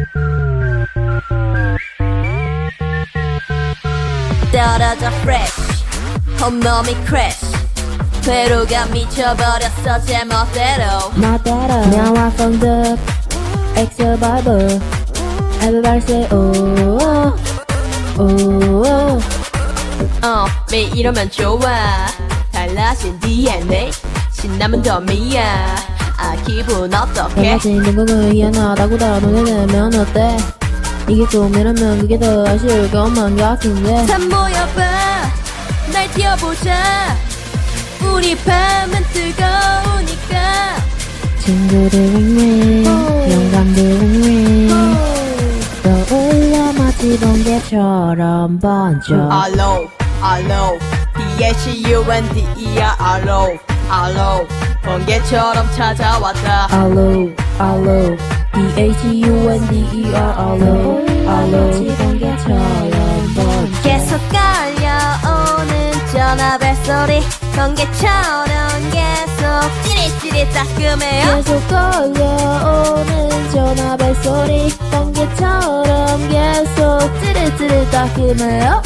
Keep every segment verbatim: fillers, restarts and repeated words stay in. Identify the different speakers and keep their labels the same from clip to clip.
Speaker 1: 떨어져 fresh 홈런이 crash 회로가 미쳐버렸어 제멋대로
Speaker 2: 멋대로 Now I found the ex-survivor Everybody say oh oh oh
Speaker 1: 어 매일 이러면 좋아 달라진 디엔에이 신나면 더 미야 아 기분 어떡해
Speaker 2: 달라진 건강을 희한하다고 달아놓으면 어때 이게 꿈이라면 그게 더 아쉬울 것만 같은데
Speaker 1: 다 모여봐 날 뛰어보자 우리 밤은 뜨거우니까
Speaker 2: 친구들 윙윙 영감들 윙윙 떠올려 마치 번개처럼 번져
Speaker 1: 알로 알로 D-H-U-N-D-E-R 알로 알로 번개처럼 찾아왔다
Speaker 2: 알로 알로 D-H-U-N-D-E-R 알로 알로 마치 번개처럼 번져
Speaker 1: 계속 깔려오는 전화 벨소리 번개처럼 계속 찌릿찌릿 따끔해요
Speaker 2: 계속 걸려오는 전화벨 소리 번개처럼 계속 찌릿찌릿 따끔해요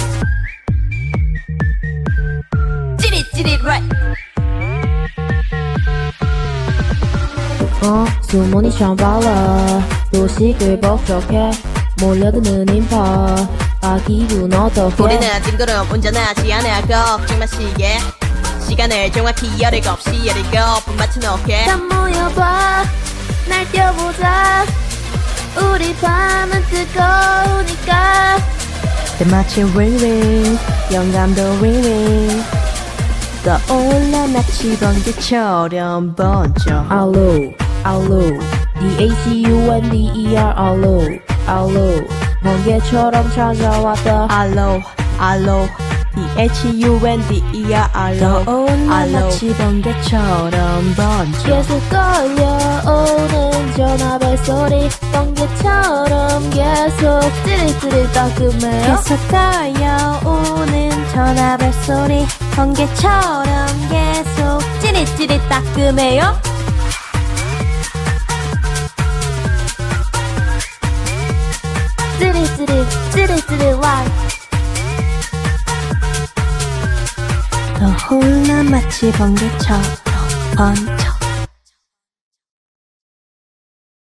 Speaker 1: 찌릿찌릿 right
Speaker 2: 어 수문이 참 빨라 도식을 복잡해 몰려드는 인파 아 기분 어떡해
Speaker 1: 우리는 징그러움 운전하지 않아 걱정 마시게 시간을 정확히 열일곱 시 열일곱 분 맞춰놓게
Speaker 2: 다 모여봐 날 뛰어보자 우리 밤은 뜨거우니까
Speaker 1: 때마치 윙윙 영감도 윙윙 떠올라 마치 번개처럼 번져
Speaker 2: 알로 알로 D-H-U-N-D-E-R 알로 알로 번개처럼 찾아왔다
Speaker 1: 알로 알로 D-H-U-N-D-E-R 알로 알로 마치 번개처럼 번져
Speaker 2: 계속 걸려오는 전화벨 소리 번개처럼 계속 찌릿찌릿 따끔해요
Speaker 1: 계속 걸려오는 전화벨 소리 번개처럼 계속 찌릿찌릿 따끔해요
Speaker 2: 찌릿찌릿 찌릿찌릿 와
Speaker 1: 떠올라 마치 번개처럼 번져